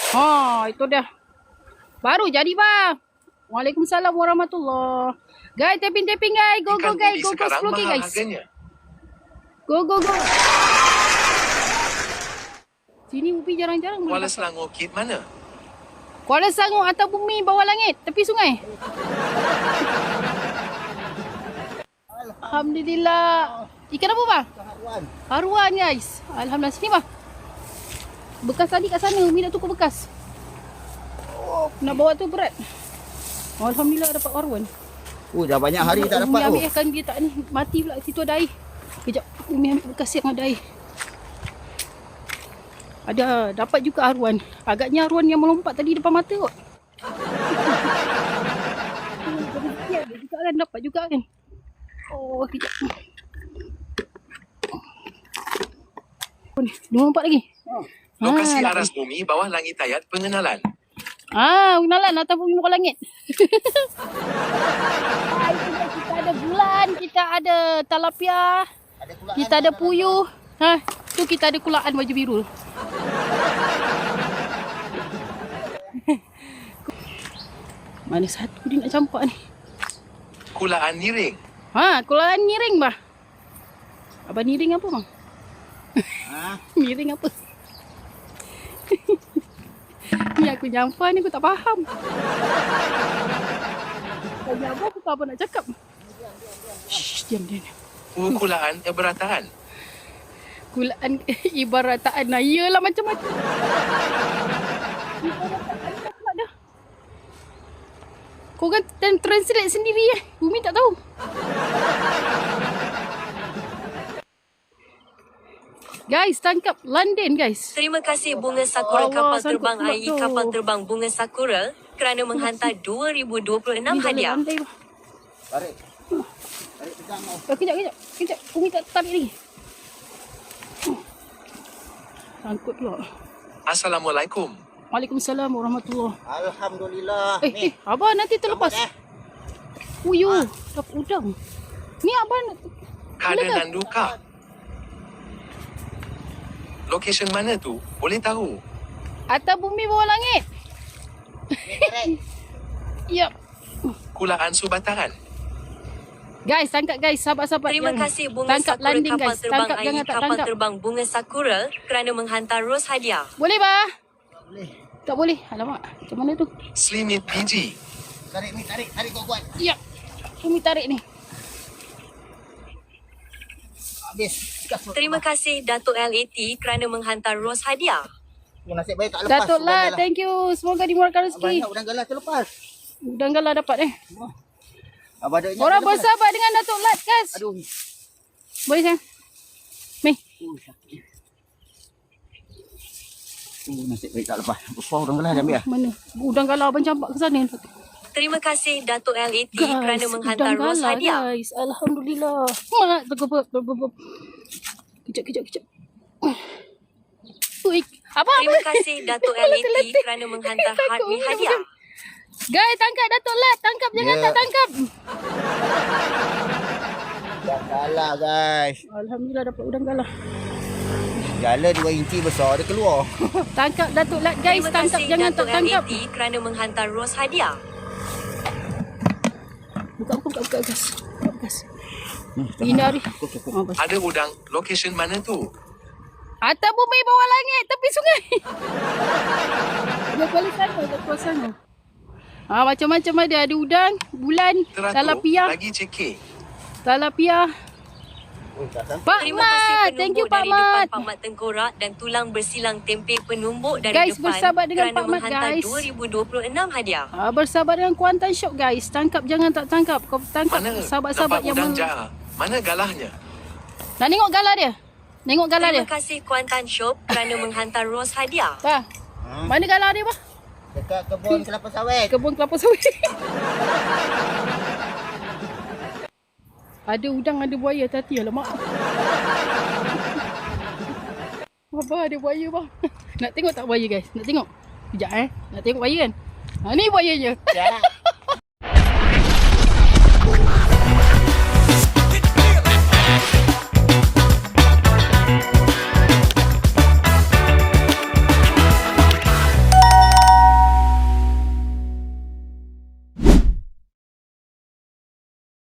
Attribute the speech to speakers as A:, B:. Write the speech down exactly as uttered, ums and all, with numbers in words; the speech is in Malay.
A: Ha, itu dia. Baru jadi bang. Waalaikumsalam warahmatullahi. Guys, tapping-tapping guys. Go, go guys. Go, go sepuluh K guys.
B: Harganya.
A: Go, go, go. Sini Upi jarang-jarang.
B: Kuala Selangor kit mana?
A: Kuala Selangor atas bumi bawah langit. Tepi sungai. Alhamdulillah. Ikan apa bang?
C: Haruan.
A: Haruan guys. Alhamdulillah. Sini bang. Bekas tadi kat sana. Umi nak tukar bekas. Oh, nak bawa tu berat. Alhamdulillah dapat haruan.
C: Oh, dah banyak hari tak dapat.
A: Umi ambil
C: Oh.
A: ikan dia tak ni. Mati pula. Situ ada air. Kejap. Umi ambil bekas yang ada air. Ada. Dapat juga haruan. Agaknya haruan yang melompat tadi depan mata kot. Dia juga kan. Dapat juga kan. Oh, kejap. Oh, ni. Dua empat lagi.
C: Oh.
B: Lokasi
A: Ah,
B: aras bumi bawah langit ayat pengenalan.
A: Ah, pengenalan atas bumi bawah langit. Ah, itu dia. Kita ada bulan, kita ada talapia,
C: Ada kulaan
A: kita ada
C: dalam-
A: puyuh. Ha, tu kita ada kulaan baju biru. Mana satu dia nak campak ni?
B: Kulaan niring.
A: Ha, kulaan niring bah. Abang niring apa bang?
C: Ha?
A: Miring apa? Ni aku nyampa ni aku tak faham. Tanya apa aku tak apa nak cakap. Shh, diam diam.
B: Ukulaan eberataan.
A: Kulaan ibarataan. Nah, iyalah macam-macam. Ibarataan tak pula dah. Kau kan translate sendiri eh. Bumi tak tahu. Guys, tangkap London guys.
D: Terima kasih Bunga Sakura
A: Allah,
D: Kapal
A: sangkut
D: Terbang
A: pula
D: A I
A: tu.
D: Kapal Terbang Bunga Sakura kerana menghantar dua ribu dua puluh enam
A: Ni dalam
D: hadiah.
A: lantai bah.
C: Tarik. Tarik pegang kau.
A: Oh, kejap, kejap. Kejap. Umi tak tarik lagi. Sangkut pula.
B: Assalamualaikum.
A: Waalaikumsalam warahmatullahi.
C: Alhamdulillah.
A: Eh,
C: Ni.
A: eh, abang nanti terlepas.
C: Selamat, eh.
A: Puyuh. Dapat udang. Ni abang nak...
B: Kada
A: Boleh ke?
B: Nanduka. Location mana tu? Boleh tahu.
A: Atas bumi bawah langit.
C: Ni tarik.
A: Ya.
B: Kulaan Subataran.
A: Guys, tangkap guys. Sahabat-sahabat
D: Terima
A: yang
D: kasih Bunga
A: tangkap
D: Sakura
A: landing
D: Kapal
A: guys.
D: Terbang
A: Tangkap
D: A I
A: jangan tak
D: Kapal
A: tangkap.
D: Terbang Bunga Sakura kerana menghantar ros hadiah.
A: Boleh bah?
C: Boleh.
A: Tak boleh. Alamak. Macam mana tu?
B: Slimit P G.
C: Tarik ni, tarik. Tarik kau kuat.
A: Ya. Umi tarik ni.
C: Habis. Gas.
D: Terima kasih Datuk L A T kerana menghantar ros hadiah.
C: Oh, nasib baik tak lepas.
A: Datuk
C: udang
A: lah.
C: galah.
A: Thank you. Semoga dimurahkan rezeki.
C: Banyak udang galah terlepas.
A: Udang galah dapat eh.
C: Abang ada
A: Orang bersahabat dengan Datuk Lat guys.
C: Aduh.
A: Boleh sayang? Meh.
C: Oh, sakit. Oh, nasib baik tak lepas. Besar udang galah dia ambil lah.
A: Mana? Udang galah abang campak ke sana.
D: Terima kasih Datuk L A T
A: Guys,
D: kerana menghantar
A: udang
D: ros
A: galah,
D: hadiah.
A: Guys, alhamdulillah. Mak, tergobok, tergobok. Kejap, kejap, kejap. Ui, apa apa?
D: Terima kasih Datuk L A T kerana menghantar hadiah hadiah.
A: Guys, tangkap Datuk Lat, tangkap jangan
C: Ya.
A: tak tangkap.
C: Udang galah guys.
A: Alhamdulillah dapat udang galah.
C: Gala dua inci besar dia keluar.
A: Tangkap Datuk Lat guys,
D: Terima
A: tangkap
D: kasih
A: jangan
D: Datuk
A: tak
D: L A
A: tangkap.
D: T kerana menghantar ros hadiah.
A: Buka, buka, buka gas. Buka gas. Ini hari. Oh, bas.
B: Ada udang. Location mana tu?
A: Atas bumi bawah langit tepi sungai. Dia balik sana, dia keluar sana. Ah, macam-macam ada. Ada udang, bulan,
B: Teratur.
A: talapia,
B: Lagi C K.
A: talapia.
C: Oh, tak tahu.
A: Pak
D: Terima kasih
A: Mat, thank you
D: penumbuk
A: Pak
D: dari depan
A: Mat.
D: Pak Mat Tengkorak dan tulang bersilang tempe penumbuk dari
A: Guys,
D: depan
A: bersahabat dengan
D: kerana
A: Pak Mat,
D: menghantar
A: guys.
D: dua ribu dua puluh enam hadiah.
A: Ah, bersahabat dengan Kuantan Shop guys. Tangkap jangan tak tangkap. Kau tangkap
B: Mana
A: sahabat-sahabat
B: dapat
A: yang
B: udang
A: mau.
B: jaha? Mana galahnya?
A: Nak tengok galah dia? Tengok galah dia.
D: Terima kasih Kuantan Shop kerana menghantar ros hadiah.
A: Bah,
C: Ha?
A: mana galah dia bah?
C: Dekat kebun kelapa sawit.
A: Kebun kelapa sawit. Ada udang, ada buaya. Hati-hati lah mak. Abah ada buaya bang. Nak tengok tak buaya guys? Nak tengok? Sekejap eh. Nak tengok buaya kan? Ha, ni buayanya.
C: Ya.